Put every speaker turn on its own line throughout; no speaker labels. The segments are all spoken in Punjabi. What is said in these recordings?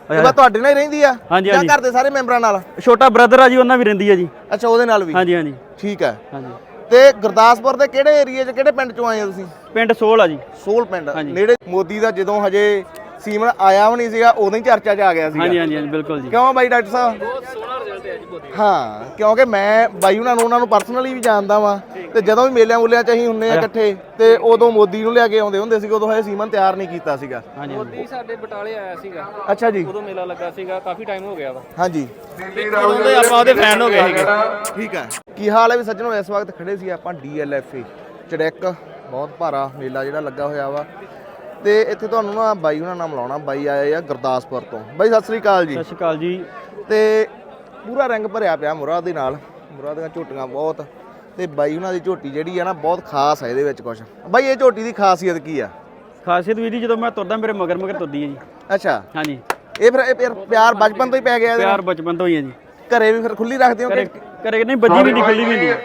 ਇਹ ਬਾ ਤੁਹਾਡੇ ਨਾਲ ਹੀ ਰਹਿੰਦੀ ਆ ਜਾਂ ਘਰ ਦੇ ਸਾਰੇ ਮੈਂਬਰਾਂ ਨਾਲ?
ਛੋਟਾ ਬ੍ਰਦਰ ਆ ਜੀ, ਉਹਨਾਂ ਵੀ ਰਹਿੰਦੀ ਆ ਜੀ।
ਅੱਛਾ, ਉਹਦੇ ਨਾਲ ਵੀ?
ਹਾਂਜੀ ਹਾਂਜੀ
ਠੀਕ ਹੈ।
ਹਾਂਜੀ।
ਤੇ ਗੁਰਦਾਸਪੁਰ ਦੇ ਕਿਹੜੇ ਏਰੀਏ 'ਚ ਕਿਹੜੇ ਪਿੰਡ 'ਚੋਂ ਆਏ ਹੋ ਤੁਸੀਂ?
ਪਿੰਡ ਸੋਲ ਆ ਜੀ।
ਸੋਲ ਪਿੰਡ ਨੇੜੇ। ਮੋਦੀ ਦਾ ਜਦੋਂ ਹਜੇ ਸੀਮਨ ਆਇਆ ਵੀ ਨਹੀਂ ਸੀਗਾ ਉਦੋਂ ਹੀ ਚਰਚਾ 'ਚ ਆ ਗਿਆ ਸੀ।
ਹਾਂਜੀ ਹਾਂਜੀ ਬਿਲਕੁਲ ਜੀ।
ਕਿਉਂ ਬਾਈ ਡਾਕਟਰ ਸਾਹਿਬ?
ਬਹੁਤ ਸੋਹਣਾ ਰਿਜ਼ਲਟ ਹੈ ਜੀ ਮੋਦੀ।
ਹਾਂ, ਕਿਉਂਕਿ ਮੈਂ ਬਾਈ ਉਹਨਾਂ ਨੂੰ ਪਰਸਨਲੀ ਵੀ ਜਾਣਦਾ ਵਾਂ ਤੇ ਜਦੋਂ ਵੀ ਮੇਲਿਆਂ ਮੂਲਿਆਂ 'ਚ ਅਸੀਂ ਹੁੰਨੇ ਆ ਇਕੱਠੇ ਤੇ ਉਦੋਂ ਮੋਦੀ ਨੂੰ ਲਿਆ ਕੇ ਆਉਂਦੇ ਹੁੰਦੇ ਸੀਗੇ। ਉਦੋਂ ਹਜੇ ਸੀਮਨ ਤਿਆਰ ਨਹੀਂ ਕੀਤਾ ਸੀਗਾ।
ਮੋਦੀ ਸਾਡੇ ਬਟਾਲੇ ਆਇਆ ਸੀਗਾ।
ਅੱਛਾ ਜੀ।
ਉਦੋਂ ਮੇਲਾ ਲੱਗਾ ਸੀਗਾ, ਕਾਫੀ ਟਾਈਮ ਹੋ ਗਿਆ ਵਾ।
ਹਾਂਜੀ,
ਆਪਾਂ ਉਹਦੇ ਫੈਨ ਹੋ ਗਏ ਸੀਗੇ।
ਠੀਕ ਹੈ। ਕੀ ਹਾਲ ਹੈ ਵੀ ਸੱਜਣੋ? ਇਸ ਵਕਤ ਖੜੇ ਸੀ ਆਪਾਂ DLFA ਚੜੈਕ, ਬਹੁਤ ਭਾਰਾ ਮੇਲਾ ਜਿਹੜਾ ਲੱਗਾ ਹੋਇਆ ਵਾ ਤੇ ਇੱਥੇ ਤੁਹਾਨੂੰ ਨਾ ਬਾਈ ਉਹਨਾਂ ਨਾਲ ਮਿਲਾਉਣਾ। ਬਾਈ ਆਏ ਆ ਗੁਰਦਾਸਪੁਰ ਤੋਂ। ਬਾਈ ਸਤਿ ਸ੍ਰੀ ਅਕਾਲ ਜੀ।
ਸਤਿ ਸ਼੍ਰੀ ਅਕਾਲ ਜੀ।
ਤੇ ਪੂਰਾ ਰੰਗ ਭਰਿਆ ਪਿਆ ਮੁਰਾ ਦੇ ਨਾਲ, ਮੁਰਾ ਦੀਆਂ ਝੋਟੀਆਂ ਬਹੁਤ ਤੇ ਬਾਈ ਉਹਨਾਂ ਦੀ ਝੋਟੀ ਜਿਹੜੀ ਆ ਨਾ ਬਹੁਤ ਖਾਸ ਹੈ। ਇਹਦੇ ਵਿੱਚ ਕੁਝ ਬਾਈ, ਇਹ ਝੋਟੀ ਦੀ ਖਾਸੀਅਤ ਕੀ ਆ?
ਖਾਸੀਅਤ ਵੀ ਜੀ, ਜਦੋਂ ਮੈਂ ਤੁਰਦਾ ਮੇਰੇ ਮਗਰ ਮਗਰ ਤੁਰਦੀ ਹੈ ਜੀ।
ਅੱਛਾ।
ਹਾਂਜੀ।
ਇਹ ਫਿਰ ਪਿਆਰ ਬਚਪਨ ਤੋਂ ਹੀ ਪੈ ਗਿਆ ਇਹਦੇ ਨਾਲ?
ਪਿਆਰ ਬਚਪਨ ਤੋਂ ਹੀ ਹੈ ਜੀ।
ਘਰੇ ਵੀ ਫਿਰ ਖੁੱਲੀ ਰੱਖਦੇ ਹੋ?
ਘਰੇ ਨਹੀਂ, ਬੱਜੀ ਵੀ ਨਹੀਂ, ਖੁੱਲੀ ਵੀ ਨਹੀਂ।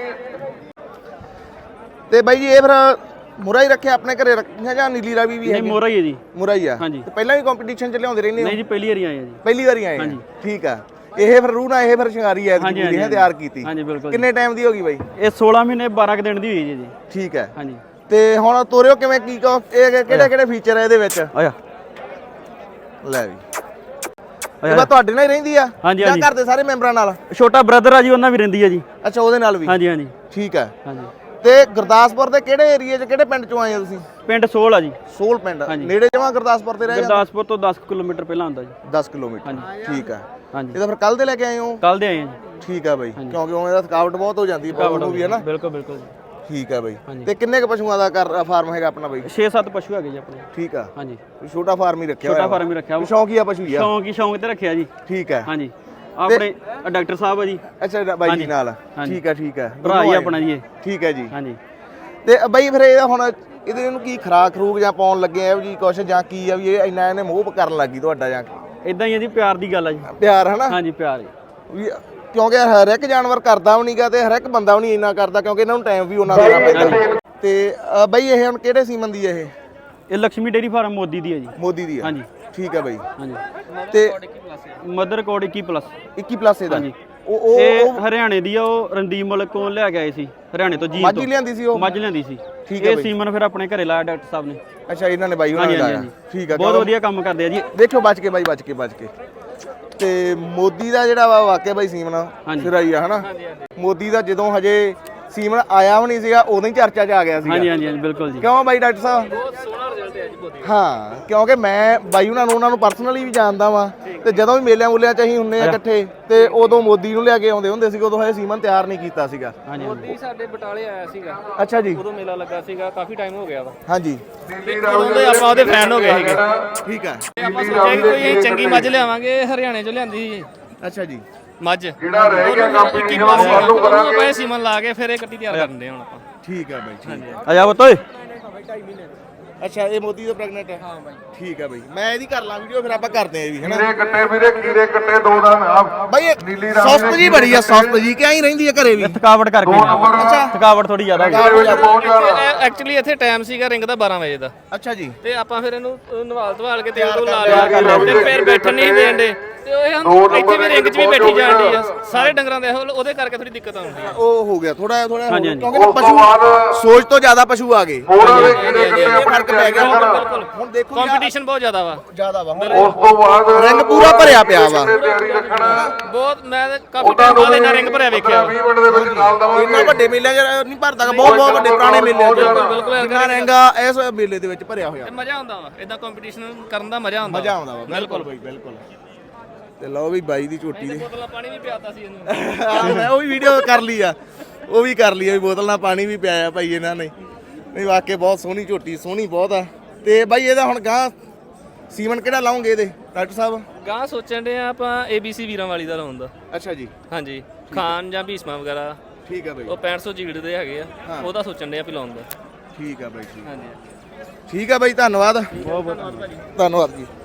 ਤੇ ਬਾਈ ਜੀ ਇਹ ਫਿਰ ਮੁਰਾ ਹੀ ਰੱਖਿਆ ਆਪਣੇ ਘਰੇ ਰੱਖਿਆ ਜਾਂ ਨੀਲੀ ਰਾਵੀ ਵੀ ਹੈ?
ਨਹੀਂ, ਮੋਰਾ ਹੀ ਹੈ ਜੀ।
ਮੁਰਾ ਹੀ ਆ।
ਹਾਂਜੀ।
ਤੇ ਪਹਿਲਾਂ ਵੀ ਕੰਪੀਟੀਸ਼ਨ ਚ ਲਿਆਉਂਦੇ ਰਹਿੰਦੇ ਹੋ?
ਨਹੀਂ ਜੀ, ਪਹਿਲੀ ਵਾਰੀ ਆਏ ਆ ਜੀ।
ਪਹਿਲੀ ਵਾਰੀ ਆਏ?
ਹਾਂਜੀ।
ਠੀਕ ਆ। ਇਹ ਫਿਰ ਰੂਹ ਨਾਲ ਇਹ ਫਿਰ ਸ਼ਿੰਗਾਰੀ ਐ
ਹਾਂਜੀ,
ਪੂਰੀ ਹੈ ਤਿਆਰ ਕੀਤੀ?
ਹਾਂਜੀ ਬਿਲਕੁਲ।
ਕਿੰਨੇ ਟਾਈਮ ਦੀ ਹੋ ਗਈ ਬਾਈ?
ਇਹ 16 ਮਹੀਨੇ 12 ਕੁ ਦਿਨ ਦੀ ਹੋਈ ਜੀ।
ਠੀਕ ਹੈ।
ਹਾਂਜੀ।
ਤੇ ਹੁਣ ਤੋਰਿਓ ਕਿਵੇਂ, ਕੀ ਇਹ ਕਿਹੜੇ ਫੀਚਰ ਆ ਇਹਦੇ ਵਿੱਚ?
ਆਇਆ
ਲੈ ਵੀ ਇਹ ਬਾ ਤੁਹਾਡੇ ਨਾਲ ਹੀ ਰਹਿੰਦੀ ਆ ਜਾਂ ਘਰ ਦੇ ਸਾਰੇ ਮੈਂਬਰਾਂ ਨਾਲ?
ਛੋਟਾ ਬ੍ਰਦਰ ਆ ਜੀ, ਉਹਨਾਂ ਵੀ ਰਹਿੰਦੀ ਆ ਜੀ।
ਅੱਛਾ, ਉਹਦੇ ਨਾਲ ਵੀ?
ਹਾਂਜੀ ਹਾਂਜੀ।
ਠੀਕ ਹੈ।
ਹਾਂਜੀ।
ਤੇ ਗੁਰਦਾਸਪੁਰ ਦੇ ਕਿਹੜੇ ਏਰੀਏ 'ਚ ਕਿਹੜੇ ਪਿੰਡ 'ਚੋਂ ਆਏ ਹੋ ਤੁਸੀਂ?
ਪਿੰਡ ਸੋਲ ਆ ਜੀ।
ਸੋਲ ਪਿੰਡ ਨੇੜੇ ਜਮਾਂ ਗੁਰਦਾਸਪੁਰ ਤੇ ਰਹਿ ਜਾਂਦਾ?
ਗੁਰਦਾਸਪੁਰ ਤੋਂ 10 ਕਿਲੋਮੀਟਰ ਪਹਿਲਾਂ ਆਉਂਦਾ ਜੀ।
10 ਕਿਲੋਮੀਟਰ। ਠੀਕ ਹੈ।
ਹਾਂਜੀ।
ਇਹਦਾ ਫਿਰ ਕੱਲ ਦੇ ਲੈ ਕੇ ਆਏ ਹੋ?
ਕੱਲ ਦੇ ਆਏ ਆ ਜੀ।
ਠੀਕ ਹੈ ਬਾਈ, ਕਿਉਂਕਿ ਉਹ ਇਹਦਾ ਥਕਾਵਟ ਬਹੁਤ ਹੋ ਜਾਂਦੀ ਹੈ ਨੂੰ ਵੀ, ਹੈ ਨਾ?
ਬਿਲਕੁਲ ਬਿਲਕੁਲ।
ਠੀਕ ਹੈ ਬਾਈ। ਤੇ ਕਿੰਨੇ ਕ ਪਸ਼ੂਆਂ ਦਾ ਫਾਰਮ ਹੈਗਾ ਆਪਣਾ ਬਾਈ?
6-7 ਪਸ਼ੂ ਹੈਗੇ ਜੀ ਆਪਣੇ।
ਠੀਕ ਆ।
ਹਾਂਜੀ।
ਛੋਟਾ ਫਾਰਮ ਹੀ ਰੱਖਿਆ ਹੋਇਆ?
ਛੋਟਾ ਫਾਰਮ ਹੀ ਰੱਖਿਆ।
ਸ਼ੌਂਕੀਆ ਪਸ਼ੂ ਹੀ ਆ?
ਸ਼ੌਂਕ ਤੇ ਰੱਖਿਆ ਜੀ।
ਠੀਕ ਹੈ।
ਹਾਂਜੀ। ਆਪਣੇ ਡਾਕਟਰ ਸਾਹਿਬ ਆ ਜੀ।
ਅੱਛਾ, ਬਾਈ ਜੀ ਨਾਲ? ਠੀਕ ਹੈ ਠੀਕ ਹੈ।
ਭਰਾ ਹੀ ਆਪਣਾ ਜੀ ਇਹ।
ਠੀਕ ਹੈ ਜੀ।
ਹਾਂਜੀ।
ਤੇ ਬਾਈ ਫਿਰ ਇਹ ਹੁਣ ਇਹਦੇ ਨੂੰ ਕੀ ਖਰਾਕ ਖਰੂਕ ਜਾਂ ਪਾਉਣ ਲੱਗੇ ਆ ਜੀ ਕੁਛ, ਜਾਂ ਕੀ ਆ ਵੀ ਇਹ ਇੰਨਾ ਇਹਨੇ ਮੋਹ ਕਰਨ ਲੱਗੀ ਤੁਹਾਡਾ ਜਾਂ?
ਇਦਾਂ ਹੀ ਆ ਜੀ, ਪਿਆਰ ਦੀ ਗੱਲ ਆ ਜੀ।
ਪਿਆਰ, ਹੈ ਨਾ?
ਹਾਂਜੀ, ਪਿਆਰ
ਵੀ ਕਿਉਂਕਿ ਹਰ ਇੱਕ ਜਾਨਵਰ ਕਰਦਾ ਵੀ ਨਹੀਂਗਾ ਤੇ ਹਰ ਇੱਕ ਬੰਦਾ ਵੀ ਨਹੀਂ ਇੰਨਾ ਕਰਦਾ, ਕਿਉਂਕਿ ਇਹਨਾਂ ਨੂੰ ਟਾਈਮ ਵੀ ਉਹਨਾਂ ਦੇਣਾ ਪੈਂਦਾ। ਤੇ ਬਾਈ ਇਹ ਹੁਣ ਕਿਹੜੇ ਸੀਮਨ ਦੀ ਹੈ?
ਇਹ ਲక్ష్ਮੀ ਡੇਰੀ ਫਾਰਮ ਮੋਦੀ ਦੀ ਹੈ ਜੀ।
ਮੋਦੀ ਦੀ ਆ? ਹਾਂਜੀ। ਠੀਕ ਹੈ ਬਾਈ।
ਹਾਂਜੀ।
ਤੇ
ਮਦਰ ਕੋਡ 21+।
21+ ਇਹਦਾ?
ਹਾਂਜੀ। ਉਹ ਹਰਿਆਣੇ ਦੀ ਆ, ਉਹ ਰਣਦੀਪ ਮੁਲਕ ਕੋਲ ਲਿਆ ਕੇ ਆਏ ਸੀ ਹਰਿਆਣੇ ਤੋਂ ਜੀ।
ਮੱਝ ਲਿਆਂਦੀ ਸੀ ਉਹ?
ਮੱਝ ਲਿਆਂਦੀ ਸੀ।
ਠੀਕ ਹੈ।
ਇਹ ਸੀਮਨ ਫਿਰ ਆਪਣੇ ਘਰੇ ਲਾਇਆ ਡਾਕਟਰ ਸਾਹਿਬ ਨੇ।
ਅੱਛਾ, ਇਹਨਾਂ ਨੇ ਬਾਈ ਉਹਨਾਂ ਨੇ ਲਾਇਆ? ਠੀਕ ਆ।
ਬਹੁਤ ਵਧੀਆ ਕੰਮ ਕਰਦੇ ਆ ਜੀ।
ਦੇਖਿਓ ਬਚ ਕੇ ਬਾਈ, ਬਚ ਕੇ। ਤੇ ਮੋਦੀ ਦਾ ਜਿਹੜਾ ਵਾ ਵਾਕਿਆ ਬਾਈ ਸੀਮਨ ਸਿਰਾਈ ਆ, ਹਨਾ? ਮੋਦੀ ਦਾ ਜਦੋਂ ਹਜੇ ਸੀਮਨ ਆਇਆ ਵੀ ਨਹੀਂ ਸੀਗਾ ਉਦੋਂ ਹੀ ਚਰਚਾ 'ਚ ਆ ਗਿਆ ਸੀ।
ਹਾਂਜੀ ਹਾਂਜੀ ਬਿਲਕੁਲ ਜੀ।
ਕਿਉਂ ਬਾਈ ਡਾਕਟਰ ਸਾਹਿਬ?
ਬਹੁਤ ਸੋਹਣਾ ਰਿਜ਼ਲਟ ਹੈ ਜੀ ਮੋਦੀ।
ਹਾਂ, ਕਿਉਂਕਿ ਮੈਂ ਬਾਈ ਉਹਨਾਂ ਨੂੰ ਪਰਸਨਲੀ ਵੀ ਜਾਣਦਾ ਵਾਂ ਤੇ ਜਦੋਂ ਵੀ ਮੇਲਿਆਂ ਮੂਲਿਆਂ 'ਚ ਅਸੀਂ ਹੁੰਨੇ ਆ ਇਕੱਠੇ ਤੇ ਉਦੋਂ ਮੋਦੀ ਨੂੰ ਲਿਆ ਕੇ ਆਉਂਦੇ ਹੁੰਦੇ ਸੀਗੇ। ਉਦੋਂ ਹਜੇ ਸੀਮਨ ਤਿਆਰ ਨਹੀਂ ਕੀਤਾ ਸੀਗਾ।
ਮੋਦੀ ਸਾਡੇ ਬਟਾਲੇ ਆਇਆ ਸੀਗਾ।
ਅੱਛਾ ਜੀ।
ਉਦੋਂ ਮੇਲਾ ਲੱਗਾ ਸੀਗਾ, ਕਾਫੀ ਟਾਈਮ ਹੋ ਗਿਆ ਵਾ।
ਹਾਂਜੀ।
ਆਪਾਂ ਉਹਦੇ ਫੈਨ ਹੋ ਗਏ ਸੀਗੇ।
ਠੀਕ ਹੈ।
ਆਪਾਂ ਸੋਚਿਆ ਕਿ ਕੋਈ ਚੰਗੀ ਮੱਝ ਲਿਆਵਾਂਗੇ, ਹਰਿਆਣੇ 'ਚੋਂ ਲਿਆਂਦੀ ਸੀ
ਅੱਛਾ ਜੀ।
ਮੱਝ ਜਿਹੜਾ ਰਹਿ ਗਿਆ ਕੰਪੀਟੀਸ਼ਨ ਉਹ ਆਪਾਂ ਸੀਮਨ ਲਾ ਕੇ ਫਿਰ ਇਹ ਕੱਟੀ ਤਿਆਰ ਕਰਨ ਦੇ ਹੁਣ ਆਪਾਂ।
ਠੀਕ ਹੈ ਬਾਈ, ਠੀਕ ਹੈ।
ਆ ਜਾ ਪੁੱਤ ਓਏ।
ਅੱਛਾ, ਇਹ ਮੋਦੀ ਦਾ ਪ੍ਰੈਗਨੈਂਟ ਹੈ? ਹਾਂ ਬਾਈ। ਠੀਕ ਹੈ ਬਾਈ, ਮੈਂ ਇਹਦੀ ਕਰ ਲਾਂ ਵੀਡੀਓ, ਫਿਰ ਆਪਾਂ ਕਰਦੇ ਆਂ ਵੀ, ਹੈਨਾ?
ਖੀਰੇ ਕੱਟੇ ਦੋ ਦਾ ਨਾਮ
ਬਾਈ ਸੁਸਤ ਜੀ ਬੜੀ ਆ, ਸੁਸਤ ਜੀ ਕਿ ਐਂ ਰਹਿੰਦੀ ਆ ਘਰੇ ਵੀ?
ਥਕਾਵਟ ਕਰਕੇ।
ਅੱਛਾ,
ਥਕਾਵਟ ਥੋੜੀ ਜ਼ਿਆਦਾ
ਐਕਚੁਅਲੀ ਇੱਥੇ ਟਾਈਮ ਸੀਗਾ ਰਿੰਗ ਦਾ 12 ਵਜੇ ਦਾ।
ਅੱਛਾ ਜੀ।
ਤੇ ਆਪਾਂ ਫਿਰ ਇਹਨੂੰ ਨਵਾਲ ਧਵਾਲ ਕੇ ਤੇਲ ਲਾ ਲਿਆ ਤੇ ਫਿਰ ਬੈਠਣ ਨਹੀਂ ਦੇਂਦੇ ਤੇ ਉਹ ਇੱਥੇ ਵੀ ਰਿੰਗ 'ਚ ਵੀ ਬੈਠੀ ਜਾਂਦੀ ਆ ਸਾਰੇ ਡੰਗਰਾਂ ਦੇ। ਉਹਦੇ ਕਰਕੇ ਥੋੜੀ ਦਿੱਕਤ ਆਉਂਦੀ ਆ।
ਉਹ ਹੋ ਗਿਆ ਥੋੜਾ ਕਿਉਂਕਿ ਪਸ਼ੂ ਸੋਚ ਤੋਂ ਜ਼ਿਆਦਾ ਪਸ਼ੂ ਆ ਗਏ, ਫਰਕ ਪੈ ਗਿਆ।
ਬਿਲਕੁਲ।
ਹੁਣ ਦੇਖੋ
ਕੰਪੀਟੀਸ਼ਨ ਬਹੁਤ ਜ਼ਿਆਦਾ ਵਾ।
ਉਸ ਤੋਂ ਬਾਅਦ
ਰਿੰਗ ਪੂਰਾ ਭਰਿਆ ਪਿਆ ਵਾ
ਬਹੁਤ। ਮੈਂ ਕਾਫੀ ਟਾਈਮ ਬਾਅਦ ਇਹਨਾਂ ਰਿੰਗ ਭਰਿਆ ਵੇਖਿਆ।
20 ਮਿੰਟ ਦੇ ਵਿੱਚ ਨਾਲ ਦਵਾਂਗੇ।
ਇੰਨਾ ਵੱਡੇ ਮੇਲਿਆਂ 'ਚ ਨਹੀਂ ਭਰਦਾ, ਬਹੁਤ ਵੱਡੇ ਪੁਰਾਣੇ ਮੇਲਿਆਂ 'ਚ ਇੰਨਾ ਰਿੰਗਾ ਇਸ ਮੇਲੇ ਦੇ ਵਿੱਚ ਭਰਿਆ ਹੋਇਆ।
ਮਜ਼ਾ ਆਉਂਦਾ ਵਾ ਇਦਾਂ ਕੰਪੀਟੀਸ਼ਨ ਕਰਨ ਦਾ, ਮਜ਼ਾ ਆਉਂਦਾ
ਵਾ। ਬਿਲਕੁਲ ਬਾਈ, ਬਿਲਕੁਲ। ਤੇ ਲਓ ਵੀ ਬਾਈ ਦੀ ਝੋਟੀ ਦੇ
ਬੋਤਲਾਂ ਪਾਣੀ ਵੀ ਪਿਆਤਾ ਸੀ ਇਹਨੂੰ।
ਮੈਂ ਉਹ ਵੀ ਵੀਡੀਓ ਕਰ ਲਈ ਆ, ਵੀ ਬੋਤਲ ਨਾਲ ਪਾਣੀ ਵੀ ਪਿਆਇਆ ਭਾਈ ਇਹਨਾਂ ਨੇ। ਨਹੀਂ ਵਾਕਿਆ ਬਹੁਤ ਸੋਹਣੀ ਝੋਟੀ, ਸੋਹਣੀ ਬਹੁਤ ਆ। ਤੇ ਬਾਈ ਇਹਦਾ ਹੁਣ ਗਾਂ ਸੀਮਨ ਕਿਹੜਾ ਲਾਉਂਗੇ ਇਹਦੇ ਡਾਕਟਰ ਸਾਹਿਬ?
ਗਾਂ ਸੋਚਣ ਦੇ ਆ ਆਪਾਂ ABC ਵੀਰਾਂ ਵਾਲੀ ਦਾ ਲਾਉਣ ਦਾ।
ਅੱਛਾ ਜੀ।
ਹਾਂਜੀ, ਖਾਨ ਜਾਂ ਭੀਸਮਾ ਵਗੈਰਾ।
ਠੀਕ ਆ ਬਾਈ।
ਉਹ 6500 ਜੀੜ ਦੇ ਹੈਗੇ ਆ, ਉਹਦਾ ਸੋਚਣ ਦੇ ਆ ਵੀ ਲਾਉਣ ਦਾ।
ਠੀਕ ਆ ਬਾਈ, ਠੀਕ।
ਹਾਂਜੀ
ਠੀਕ ਆ ਬਾਈ, ਧੰਨਵਾਦ।
ਬਹੁਤ ਬਹੁਤ
ਧੰਨਵਾਦ ਜੀ।